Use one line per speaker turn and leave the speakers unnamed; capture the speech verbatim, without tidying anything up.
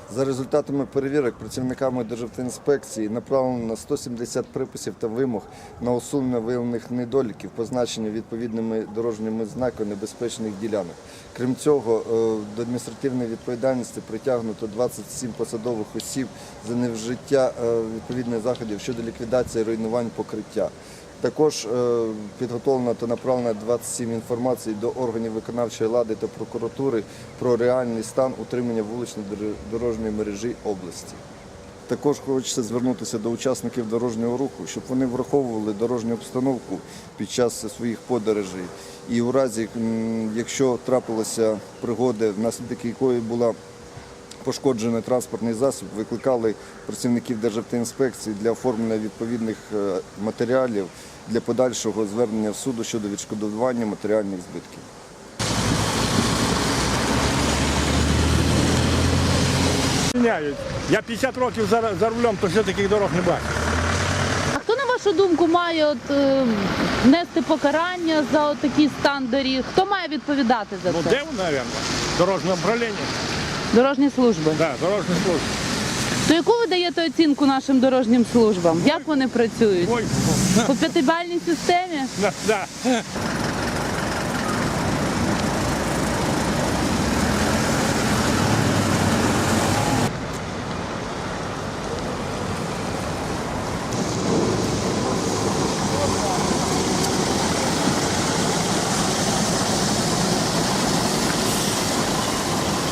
За результатами перевірок працівниками Державтоінспекції направлено сто сімдесят приписів та вимог на усунення виявлених недоліків, позначення відповідними дорожніми знаками небезпечних ділянок. Крім цього, до адміністративної відповідальності притягнуто двадцять сім посадових осіб за невжиття відповідних заходів щодо ліквідації руйнувань покриття. Також підготовлено та направлено двадцять сім інформацій до органів виконавчої влади та прокуратури про реальний стан утримання вуличної дорожньої мережі області. Також хочеться звернутися до учасників дорожнього руху, щоб вони враховували дорожню обстановку під час своїх подорожей. І у разі, якщо трапилася пригода, внаслідок якої була пошкоджений транспортний засіб, викликали працівників Державтоінспекції для оформлення відповідних матеріалів для подальшого звернення в суду щодо відшкодування матеріальних збитків.
Я п'ятдесят років за, за рулем, то ще таких дорог не бачу.
А хто, на вашу думку, має от, е, нести покарання за от такий стан доріг? Хто має відповідати за
Ну,
це?
де, мабуть, дорожнє управління.
Дорожні служби.
Так, да, дорожня служба.
То яку ви даєте оцінку нашим дорожнім службам? Як вони працюють?
Ой,
По п'ятибальній системі?
да, да.